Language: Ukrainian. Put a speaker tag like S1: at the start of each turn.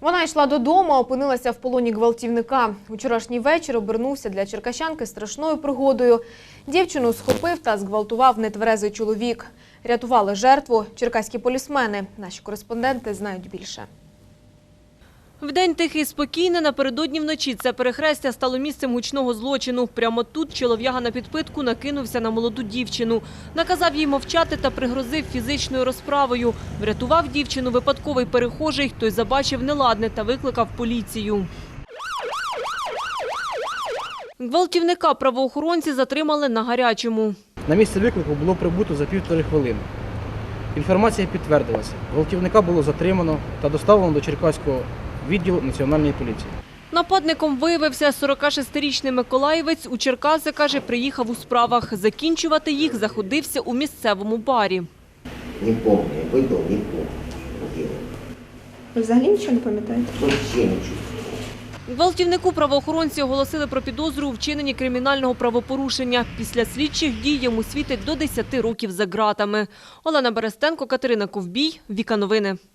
S1: Вона йшла додому, а опинилася в полоні гвалтівника. Вчорашній вечір обернувся для черкащанки страшною пригодою. Дівчину схопив та зґвалтував нетверезий чоловік. Рятували жертву черкаські полісмени. Наші кореспонденти знають більше.
S2: Вдень тихий і спокійний, напередодні вночі це перехрестя стало місцем гучного злочину. Прямо тут чолов'яга на підпитку накинувся на молоду дівчину. Наказав їй мовчати та пригрозив фізичною розправою. Врятував дівчину випадковий перехожий, той забачив неладне та викликав поліцію. Гвалтівника правоохоронці затримали на гарячому.
S3: На місце виклику було прибуто за 1,5 хвилини. Інформація підтвердилася. Гвалтівника було затримано та доставлено до Черкаського відділу Національної поліції.
S2: Нападником виявився 46-річний миколаївець. У Черкаси, каже, приїхав у справах. Закінчувати їх заходився у місцевому барі.
S4: Не помню, я випив, не помню.
S5: Ви взагалі нічого не пам'ятаєте?
S4: Вообще нічого.
S2: Гвалтівнику правоохоронці оголосили про підозру у вчиненні кримінального правопорушення. Після слідчих дій йому світить до 10 років за ґратами. Олена Берестенко, Катерина Ковбій, Віка Новини.